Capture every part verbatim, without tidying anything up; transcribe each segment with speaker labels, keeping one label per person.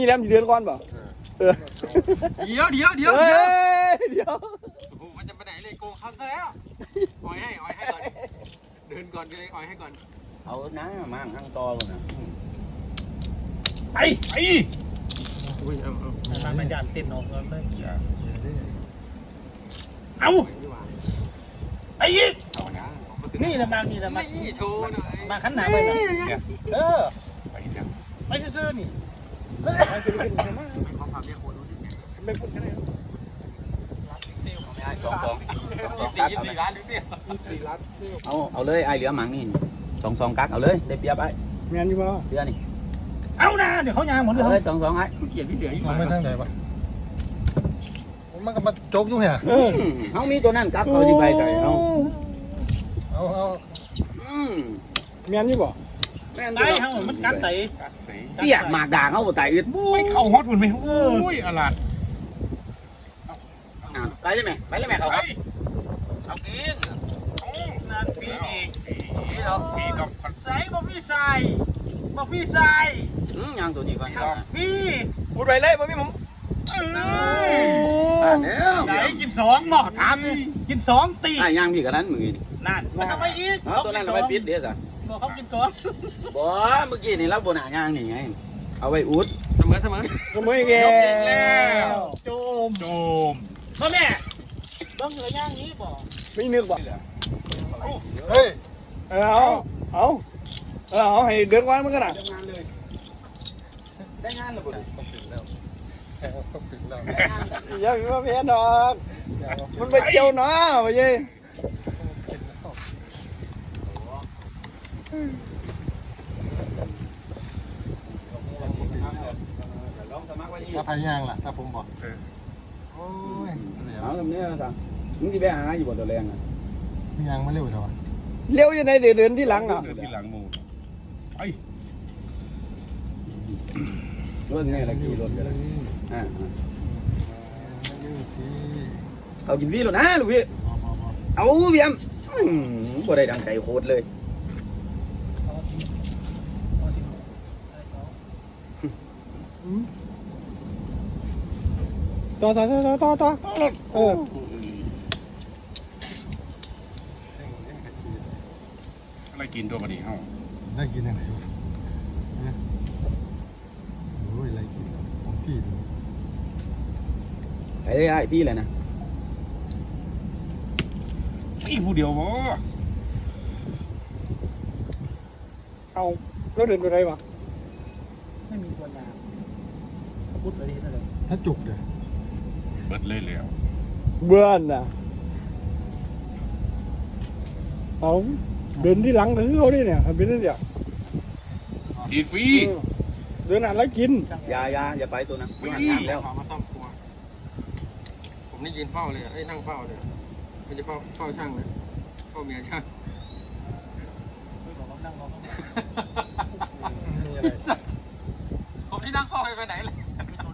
Speaker 1: ยี่แหลมเดือนก่อนเปล่าเออ
Speaker 2: เดี๋ยวเดี๋ยวเดี๋ยว
Speaker 1: เดี๋ยว
Speaker 2: โอ้มันจะไปไหนเลยโกงเขาซะแล้วอ่อยให้อ่อยให้ก่อนเดินก่อนเลยอ่อยให้ก่อน
Speaker 3: เอาน้ามั่งทั้งตอเลยนะ
Speaker 2: ไปไปอุ้ยเอาเอาทำมันยานเต้นออกเลยเอาไอ้ยี่นี่ละมากนี่ละมากนี่โชว์หน่อยมาขันหนาไปหน่อยเออไปเนี่ยไปซื้อนี่ไปซื้อกินใช่ไหมเขาพาเรียกคนรู้ที่เนี่ยไม่พูดกันเลยเซลล์ไม่ได้สองสองสี่สี่ล้านหรือเนี่ยสี่ล้านเซลล์
Speaker 3: เอาเอาเลยไอเหลือหมังนี่สองสองกักเอาเลยได้เปรียบไอ้
Speaker 1: เมียนอยู่ป่ะ
Speaker 3: เสื้อนี่
Speaker 2: เอานะเดี๋ยวเขายางหมดเลย
Speaker 3: สองสองไอ้
Speaker 2: เกียรติที่เหลืออยู่
Speaker 4: ไม่ทั้งไหนวะมันก็มาโจกอยู่เนี่ย
Speaker 3: เขามีตัวนั้นกักเขาที่ใบใส่เอา
Speaker 4: เอาเอา
Speaker 1: เมียนอยู่ป่ะ
Speaker 2: ได้ทั้งหมดมันกัดใส่
Speaker 3: เตี้ยหมากด่างเขาไต่อึด
Speaker 2: ไม่เข้าฮอตมันไหมโอ้ยอลัด
Speaker 3: ไปเลยไหมไปเลยไหมเขาครับ
Speaker 2: เอากินนั่นปีอีกปีดอกปีดอกใส่บ่พี่ใส่บ่พี่ใส่
Speaker 3: อืมยังตัวนี้ก่อน
Speaker 2: พี่
Speaker 1: พูดไปเลยบ่พี่ผม
Speaker 2: เอ้ยไหนกินสองหม้อทำกินสองตี
Speaker 3: อ่ะยังพี่กับนั้นมือนี่
Speaker 2: นั่นแล้วทำไมอีก
Speaker 3: ตัวนั้นเราไปปิดเดี๋ยวสิ
Speaker 2: บอกเขากินสอง
Speaker 3: บ่เมื่อกี้นี่เราโบนาย่างนี่ไงเอาไว้อุด
Speaker 2: เสมอเสมอ
Speaker 1: เสมออีกแล้ว
Speaker 2: โจมโจมพ่อแม่ต้องเหลือย่างนี้บ่
Speaker 1: ไม่นึกบ่
Speaker 4: เฮ้ย
Speaker 1: เอาเอาเอาเอาให้เดือนก่อนมันก็ได้
Speaker 3: ได้งานเลยได้งานเลยบ่
Speaker 4: ต้องปิดแล้วต้องปิดแล้ว
Speaker 1: ยังไม่เพี้ยนดอกมันไปเกี่ยวเนาะไปยัย
Speaker 4: ถ้าพายางล่ะถ้าผมบอกโอ้ย
Speaker 3: เอาแบบนี้สั่งมึงจะไปหาอยู่บนตัวแรงอ่ะ
Speaker 4: ยางไม่เร็วเท่าไหร่
Speaker 1: เลี้ยวยังไงเดินที่หลังอ่ะ
Speaker 2: เดินที่หลังมูไอ้
Speaker 3: รถไงละกี่รถกันอ่าเอากินพี่รถนะลูกพี่เอาเบี้ยมบ่ได้ดังใจโคตรเลย
Speaker 1: ต่อต่อต่อต่อต่อเออ
Speaker 2: อะไรกินตัวพอดีเฮ้า
Speaker 4: ได้กินยังไงโอ้ยอะไรกินของพี่
Speaker 3: ไอ้ไอ้พี่เลยนะ
Speaker 2: พี่ผู้เดียวบ่
Speaker 1: เอาแล้วเดินไปไหนวะ
Speaker 2: ไม่มีตัวยาพูดไปที่นั่นเลย
Speaker 4: ถ้าจุกเลย
Speaker 2: เบิดเลยแล้ว
Speaker 1: เบื่อน่ะเอาเดินที่หลังถึงเขาดิเนี่ยเป็นนั่นเดียว
Speaker 2: ทีฟรี
Speaker 1: เดินอ่านแล้วกิน
Speaker 3: อย่าอย่าอย่าไปตัวนั้น
Speaker 2: วิ่งแล้วมาซ่อมครัวผมนี่ยืนเฝ้าเลยไอ้นั่งเฝ้าเลยไม่จะเฝ้าเฝ้าช่างเลยเฝ้าเมียช่างผมที่นั่งเฝ้าไปไหนเลย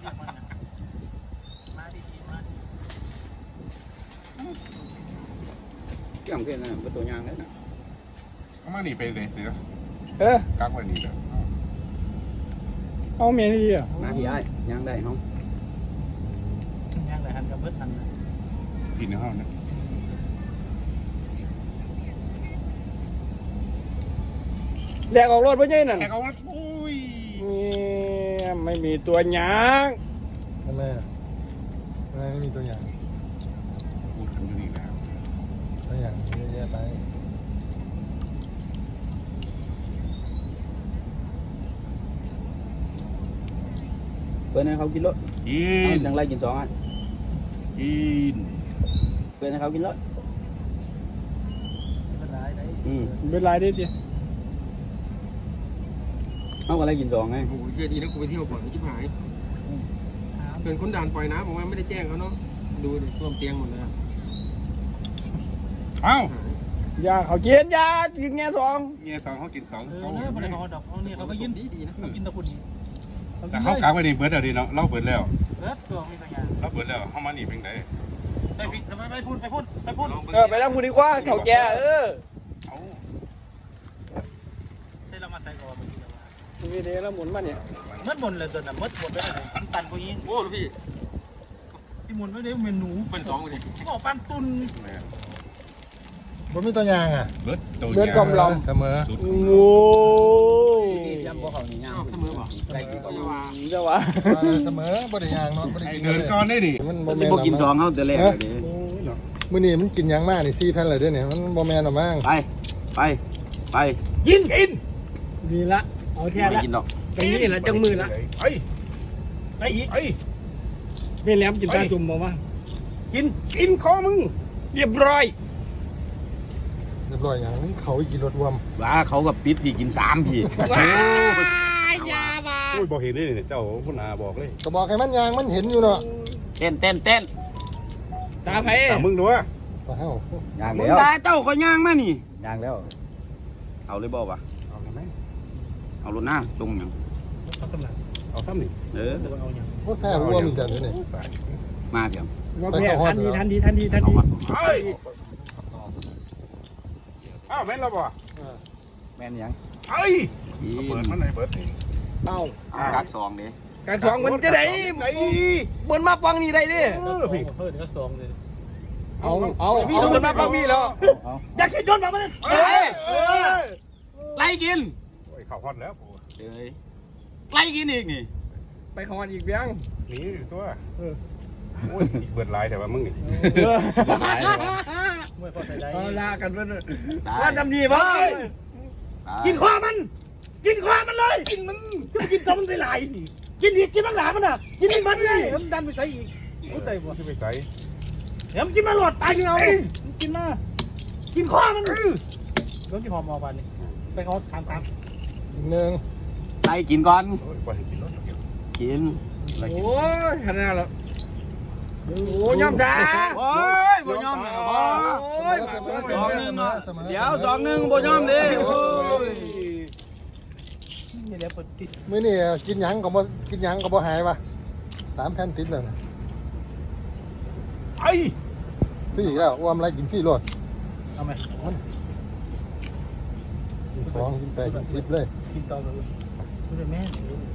Speaker 3: เกี่ยมขึ้นนะเป็นตัวยางเลยนะ
Speaker 2: เขามาหนีไปไหนเสือ
Speaker 1: เออ
Speaker 2: กักไว้หนีเลย
Speaker 1: เอาเมียนี่ดีอ่ะ
Speaker 3: มาพี่ไอ้ยางได้ห้อง
Speaker 2: ยางได้ทันกับเบิดทันกินในห้องนะ
Speaker 1: แดกออกรถไปยัยนั่น
Speaker 2: แดกออกรถอุ้ย
Speaker 1: ไม่มีตัวยาง
Speaker 4: ทำไมอ่ะทำไมไม่มีตัวยาง
Speaker 2: พูดถึงอยู่นี่แล้ว
Speaker 4: ตัวอย่างเยอะแยะไป
Speaker 3: เพื่อนให้เขากินรถ
Speaker 2: กิน
Speaker 3: จังไรกินสองอัน
Speaker 2: กิน
Speaker 3: เพื่อนให้เขากินรถ
Speaker 1: เป็นไรได้อืมเป็นไรได้จี
Speaker 3: เอาอะไรกินสองไง
Speaker 2: โอ้โหเย็นดีนะกูไปเที่ยวก่อนชิบหายเป็นคนด่านปล่อยน้ำผมว่าไม่ได้แจ้งเขาเนาะดูดิท่วมเตียงหมดเลยเอ้าย
Speaker 1: าเขากินยากินแง่สอง
Speaker 2: แง่สองเขากินสอง
Speaker 1: เขาเนี่ยเขาดอกเขาเนี่ยเขาก็ยินดีดีนะเขากินตะกุนนี้
Speaker 2: แต่เขากางไว้ในเบิร์ดเดี๋ยวนี้เนาะเล่าเบิร์ดแล้ว
Speaker 1: เบิร์ดตัวมีตัวอย่าง
Speaker 2: เล่าเบิร์ดแล้วเขามาหนีเป็นไง
Speaker 1: ไปทำไมไม่พูดไปพูดไปพูดเออไปนั่งพูดดีกว่าเขาแก่เออ
Speaker 2: เอาใช่เรามาใส่ก่อน
Speaker 1: มีเดแล้วหมุนมาเนี่ย
Speaker 2: มัดหมดเลยตัวน่ะมัดหมดไปเลยปันพวกนี้
Speaker 3: โอ้ลูกพี่
Speaker 2: ที่หมุนไม่ได้เมนู
Speaker 3: เป็นสองเลย
Speaker 2: บอกปันตุน
Speaker 4: บ่มีตัวยางอ่ะ
Speaker 5: เบิดตัว
Speaker 1: เลือดกลมลอม
Speaker 4: เสมอ
Speaker 1: โอ้ย
Speaker 3: ยำบ่เขานี่ย่างเสมอบ่ได้กินก็ว่า
Speaker 1: เจ้าวะ
Speaker 4: เสมอบ่ได้ยางเนาะบ่ได้
Speaker 5: ไอ้
Speaker 4: กิน
Speaker 5: เดินก่อนได้ดิ
Speaker 4: มัน
Speaker 3: มั
Speaker 4: บ่
Speaker 3: น
Speaker 4: แม่น
Speaker 3: บ่กินสองเฮาแต่แรกเลยดิ
Speaker 4: มื้อนี้มันกินหยังมากนี่สี่แผ่นเลยเด้อเนี่ยมันบ่แม่นหรอกมั้ง
Speaker 3: ไปไปไป
Speaker 2: กินกิน
Speaker 1: ดีละเอาแท้
Speaker 3: ไม่
Speaker 1: ละ
Speaker 3: กินดอก
Speaker 1: ตรงนี้ละจังมือละ
Speaker 5: ไอ้
Speaker 2: ไปอีก
Speaker 5: ไอ้
Speaker 1: เป็นแหลมจิ้มตาจุ่มบอกว่า
Speaker 2: กิน
Speaker 5: กินคอมึง
Speaker 1: เรียบร้อย
Speaker 4: เรียบร้อยหยังเขาอีกกินรถรวม
Speaker 3: ว่าเขากับปิดพี่กินสามพี่
Speaker 1: ยาบ้า
Speaker 5: โอ้ยบอกเห็นได้เนี่ยเจ้าคุณอาบอกเลย
Speaker 4: ก็บอกให้มันยางมันเห็นอยู่เนาะ
Speaker 3: เต้นเต้นเต้น
Speaker 1: ตาไผ่
Speaker 5: ถามมึงด้วย
Speaker 4: ว่าเฮา
Speaker 3: ย่างแล้วตาเจ้าก็ย่างมานี่ย่างแล้วเอาเลยบ่วะ
Speaker 5: เอาไหม
Speaker 3: เอารถหน้าตรงหยัง
Speaker 2: เขากำลัง
Speaker 5: เอาซ้ำนี่
Speaker 3: เออ
Speaker 2: เอาอย่าง
Speaker 4: โอ้แท้รวมอีกเด้อเนี่ย
Speaker 3: มาเพียง
Speaker 1: ว่าแพ้ทันทีทันทีทันทีทัน
Speaker 3: เอา
Speaker 1: ที
Speaker 3: มา
Speaker 5: เฮ้ยอ้าวแม่นแล้วบ่
Speaker 3: แม่นยัง
Speaker 5: เฮ้ยเปิดมันไหนเปิดนี่
Speaker 1: เอ้า
Speaker 3: กักสองดิ
Speaker 1: การสองมันจะได้บนมาปังนี่ได้ดิ
Speaker 5: เออพี่
Speaker 2: เพิ่มก็สองเลย
Speaker 1: เอาเอาเอาบนมาปังมีแล้ว
Speaker 3: เอา
Speaker 2: อยากเห็นยนต์มามัน
Speaker 5: เฮ้ย
Speaker 3: ไล่กิน
Speaker 5: โอ้ยข่าวฮอตแล้วปู
Speaker 3: เอ้ยไล่กินอีกนี่
Speaker 1: ไปคอนอีกเบี้ยง
Speaker 5: หนีอยู่ตัวโอ้ยเปิดลายแต่ว่ามึงนี่
Speaker 2: ไม่พอใส่ได้
Speaker 1: เอาลากันเพื่อนว่าจำดีป่ะ
Speaker 2: กินข้อมัน กินข้อมันเลย กินมันกินตัวมันใส่หลายกินอีกกินตั้งหลายมันอ่ะกินอีกมันเลยมันดันไปใส่อีกรู้ใจบ่
Speaker 5: ที่ไปใส่
Speaker 2: เดี๋ยวมันกินมาหลอดตายยังเอากินมา กินข้อมันรถที่หอมออกไปนี่ไปเขาทำตาม
Speaker 4: อีกหนึง
Speaker 3: ไล่กินก่อน
Speaker 5: โอ้ยปล่อยให้กินรถเดียว
Speaker 3: กินไล่กิน
Speaker 1: โอ้ยขนาดแล้วโอ้ยยอมจ้า
Speaker 3: โอ้ยบ่ยอมเลยบ่
Speaker 1: โอ้ย
Speaker 3: สองหนึ่งเนาะเดี๋ยวสองหนึ่งบ่ยอมดิโอ้ย
Speaker 2: นี่แหละปฏิ
Speaker 4: มื้อนี้กินหยังก็บ่กินหยังก็บ่หายว่ะสามแผ่นติดแล้วนะ
Speaker 5: ไอ้
Speaker 4: ฟรีอีกแล้วอ้วมไรกินฟรีโลด
Speaker 2: เอาไหม
Speaker 4: กินสองกินแปดกินสิบเลย
Speaker 2: กินต่อเลยไม่ได้แม่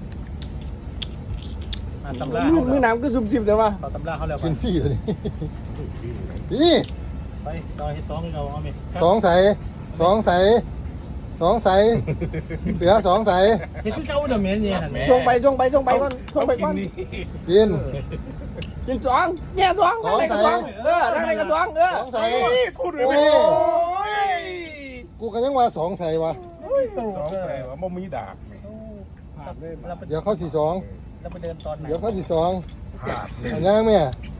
Speaker 2: อ่านตำรา
Speaker 1: มือมือน้ำก็ซุ่มซิมแต่ว่า
Speaker 2: ต่อตำราเขาแล้วไป
Speaker 4: กินฟรีเลยนี่
Speaker 2: ไปต่อให้สองเราเอาไหม
Speaker 4: สองใสสองใสสองใสเสือสองใส
Speaker 2: เห็นพี่เจ้าเดอะเมนเนี่ยเห็นไหม
Speaker 1: ส่งไปส่งไปส่งไปก่อนส่งไปก่อน
Speaker 4: กิน
Speaker 1: กินสองแง่สองนั่งในกระสองเออนั่งในกระสองเออ
Speaker 4: สองใส
Speaker 5: พูดเลย
Speaker 4: โอ้
Speaker 5: ย
Speaker 4: กูก็ยังว่าสองใสวะ
Speaker 5: สองใส่ว่าบ่มีดาบนี่
Speaker 2: เราไป
Speaker 4: เดี๋ยวเข้าสี่สอง
Speaker 2: เราไปเดินตอนไหน
Speaker 4: เดี๋ยวเข้าสี่สอง
Speaker 5: ขาดเลย
Speaker 4: เอาย่างแม่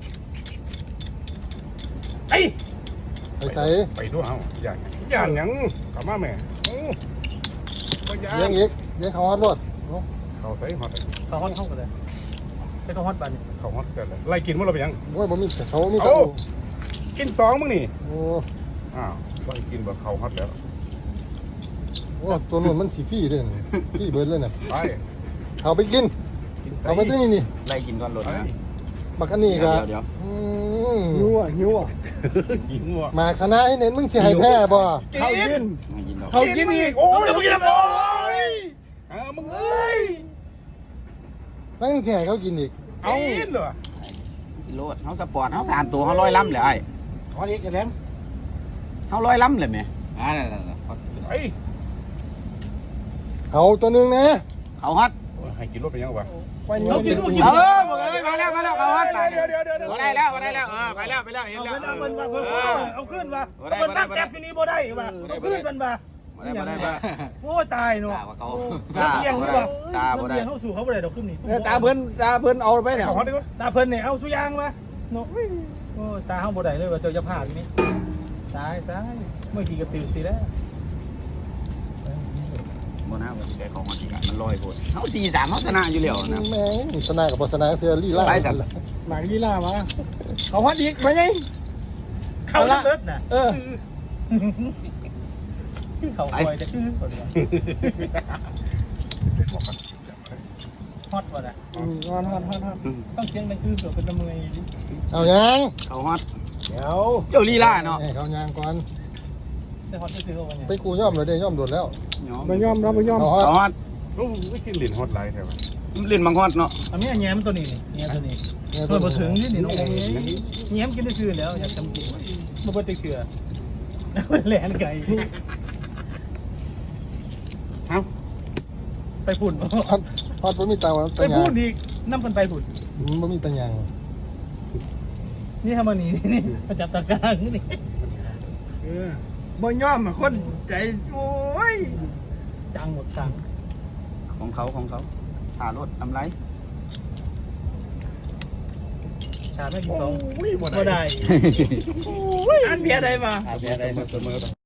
Speaker 2: ไอ้
Speaker 4: ไปใส่
Speaker 5: ไปด้วยเฮาอย่างอย่างหยังกลับมาแม่โอ้บ่ย่า
Speaker 4: เลี้ยงอีกเลี้ยงเขาฮอดรถ
Speaker 5: เขาใส่ฮอต
Speaker 2: เขาฮอตเข้ากันเลยไปเขาฮอตบัน
Speaker 5: เขาฮอตกันเลยไล่กินมั้งเราไปยัง
Speaker 4: โอ้ยบ่มีเขามี
Speaker 5: โอ้
Speaker 4: เขา
Speaker 5: กินสองมึงนี่
Speaker 4: โอ้
Speaker 5: อ้าวไล่กินแบบเขาฮอตแล้ว
Speaker 4: โหตัวนู้นมันสีฟรีเลยนี่ฟรีเบิร์ดเลยน่ะ
Speaker 5: ไป
Speaker 4: เอาไปกิน
Speaker 5: กินใส่
Speaker 4: เอาไปที่นี่นี่
Speaker 3: ไล่กินก่อนรถนะ
Speaker 4: บักอันนี้ก็
Speaker 3: เดี๋ยว
Speaker 4: อืม
Speaker 1: หิวอ่ะหิวอ่ะ
Speaker 5: กินว่ะ
Speaker 4: หมากคณะให้เน้นมึงสิให้แพ้บ่
Speaker 1: เขากิน
Speaker 3: ไม่กินหรอก
Speaker 1: เขากินอีก
Speaker 5: โอ้ยมึงกินแล้วโอ้ยอ้าวมึงเอ้ย
Speaker 4: นั่งสิให้เขากินอีก
Speaker 5: เอากินเหรอ
Speaker 3: กินรถเฮาสปอร์ตเฮาสามตัวเฮาร้อยล้ำเลยไอ้
Speaker 2: ฮอตอีกกันแล้ว
Speaker 3: เฮาร้อยล้ำเลยแม่อ่านั่นๆ
Speaker 5: ไอ้
Speaker 4: เอาตัวหนึงนะ
Speaker 3: ๆเขาฮอต
Speaker 5: ให้กินรถไปยังวะ
Speaker 2: เขากินลูกกิน
Speaker 3: เออบอกเลยมาแล้วมาแล้วเขาฮอต
Speaker 5: เดี๋ยวเดี๋ยวเดี๋ยวเดี๋ยว
Speaker 3: บ่ได้แล้วบ่ได้แล้วเออไปแล้วไปแล้วเห็น
Speaker 2: เอา
Speaker 3: แล้ว
Speaker 2: ขึ้นเอาเพิ่นว่าเพิ่นเอาขึ้นว่าเพิ่นตั้งแก๊ปที่นี่บ่ได้ว่าเอาขึ้นมันว่า
Speaker 3: บ่ได้บ่ได้บ่ได้
Speaker 2: โอ้ตายเนาะ
Speaker 3: ว่าเขา
Speaker 2: เลี้ยงดีกว่า
Speaker 3: ซาบ่ได้
Speaker 2: เลี้ยงเข้าสู่เขาบ่ได้ดอกขึ้นนี่
Speaker 1: ตาเพิ่นตาเพิ่นเอาไปเนี่ย
Speaker 5: เขาฮอตดีกว่า
Speaker 2: ตาเพิ่นเนี่ยเอาสุยางมาเนาะโอ้ตาเฮาบ่ได้เลยว่าเจ้าจะผ่านนี่ตายตายเมื่อกี้ก็ตื่นสิแล้ว
Speaker 3: บ่น่าว่าสิได้ของมาสิมันลอยโพดเฮาสี่สามเฮาชนะอยู่แล้วนะ
Speaker 4: แม่งสนากับบ่สนาเสือลี่ล่า
Speaker 3: ไปสั่น
Speaker 1: หมากลีลามาเขาฮัดอีกไปไง
Speaker 2: เข้าเลิศน่ะ
Speaker 1: เออ
Speaker 2: เขาคอยจะขึ้นก่อนว่าฮอตว่ะน่ะ
Speaker 1: ฮอนฮอนฮอนฮอน
Speaker 2: ต้องเสียงดังคือเสือเป็นตะเมย
Speaker 4: เอายัง
Speaker 3: เขาฮอต
Speaker 4: เดี๋ยว
Speaker 3: เจ้าลีลาเนาะ
Speaker 4: ให้เขายางก่อน
Speaker 2: แต่ฮอตจะซื้อเอาไว้
Speaker 4: ไปกูย่อมเลยเด้ย่อมโดดแล้ว
Speaker 1: ไม่ยอมรับไม่ยอม
Speaker 4: เอาฮอ
Speaker 3: เขา
Speaker 4: ด
Speaker 3: ฮอต
Speaker 5: โอ้ไม่กินหลินฮอตไลท์แถว
Speaker 3: เล่นมังฮอดเนาะ
Speaker 2: อันนี้แง้มตัวนี้แง้มตัวนี้ตัวบ่ถึงนี่นี่น้องแง้มกินได้ซื่อแล้วอยากทำกินบ่บ่ติเชื่อแหลนไก่
Speaker 5: เอ้า
Speaker 2: ไปพุ่น
Speaker 4: ฮอดฮอดบ่มีตาวัน
Speaker 2: ไป
Speaker 4: ตายา
Speaker 2: พุ่
Speaker 4: ง
Speaker 2: นอีกนำกันไปพุ่น
Speaker 4: บ่มีตายาง
Speaker 2: นี่ทำมานี่นี่มาจับตากลางนี่
Speaker 1: เออบ่ยอมอะคนใจโอ้ย
Speaker 2: จังหมดจัง
Speaker 3: ของเขาของเขาหารถทำไร
Speaker 2: ชาไม่กินสอง
Speaker 1: โอ้ยบ่
Speaker 2: บ่
Speaker 1: ได้
Speaker 2: ได้
Speaker 1: อันเบียร์ได้มา
Speaker 3: อาเบียร์ได้เสมอ